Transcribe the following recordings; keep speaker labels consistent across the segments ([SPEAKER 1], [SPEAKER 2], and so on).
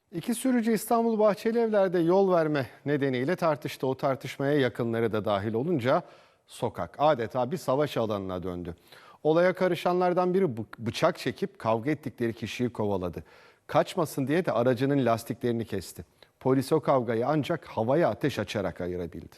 [SPEAKER 1] İki sürücü İstanbul Bahçelievler'de yol verme nedeniyle tartıştı. O tartışmaya yakınları da dahil olunca sokak adeta bir savaş alanına döndü. Olaya karışanlardan biri bıçak çekip kavga ettikleri kişiyi kovaladı. Kaçmasın diye de aracının lastiklerini kesti. Polis o kavgayı ancak havaya ateş açarak ayırabildi.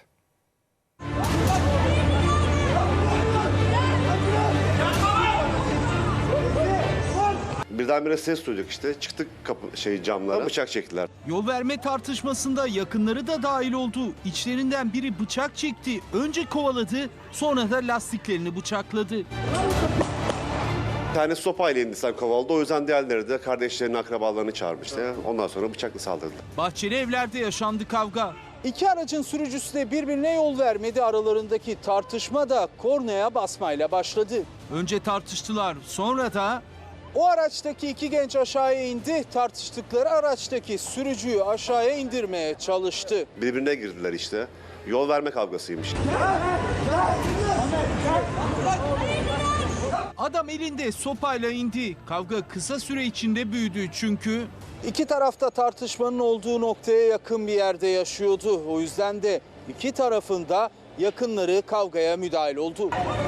[SPEAKER 2] Birdenbire ses duyduk işte. Çıktık camlara. Bıçak çektiler.
[SPEAKER 3] Yol verme tartışmasında yakınları da dahil oldu. İçlerinden biri bıçak çekti. Önce kovaladı, sonra da lastiklerini bıçakladı.
[SPEAKER 2] Bir tane sopayla insan kovaladı. O yüzden diğerleri de kardeşlerini, akrabalarını çağırmıştı. Ondan sonra bıçakla saldırdılar.
[SPEAKER 3] Bahçelievler'de yaşandı kavga.
[SPEAKER 4] İki aracın sürücüsü de birbirine yol vermedi. Aralarındaki tartışma da kornaya basmayla başladı.
[SPEAKER 3] Önce tartıştılar, sonra da
[SPEAKER 4] O araçtaki iki genç aşağıya indi. Tartıştıkları araçtaki sürücüyü aşağıya indirmeye çalıştı.
[SPEAKER 2] Birbirine girdiler işte. Yol verme kavgasıymış.
[SPEAKER 3] adam elinde sopayla indi. Kavga kısa süre içinde büyüdü çünkü
[SPEAKER 4] İki tarafta tartışmanın olduğu noktaya yakın bir yerde yaşıyordu. O yüzden de iki tarafında yakınları kavgaya müdahil oldu.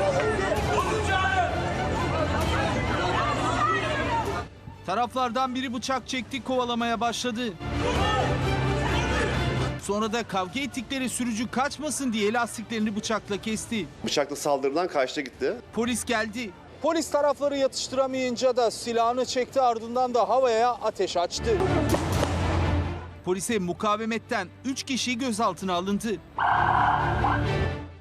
[SPEAKER 3] taraflardan biri bıçak çekti, kovalamaya başladı. Sonra da kavga ettikleri sürücü kaçmasın diye lastiklerini bıçakla kesti.
[SPEAKER 2] Bıçakla saldırıdan kaçtı gitti.
[SPEAKER 3] Polis geldi.
[SPEAKER 4] Polis tarafları yatıştıramayınca da silahını çekti, ardından da havaya ateş açtı.
[SPEAKER 3] Polise mukavemetten 3 kişi gözaltına alındı.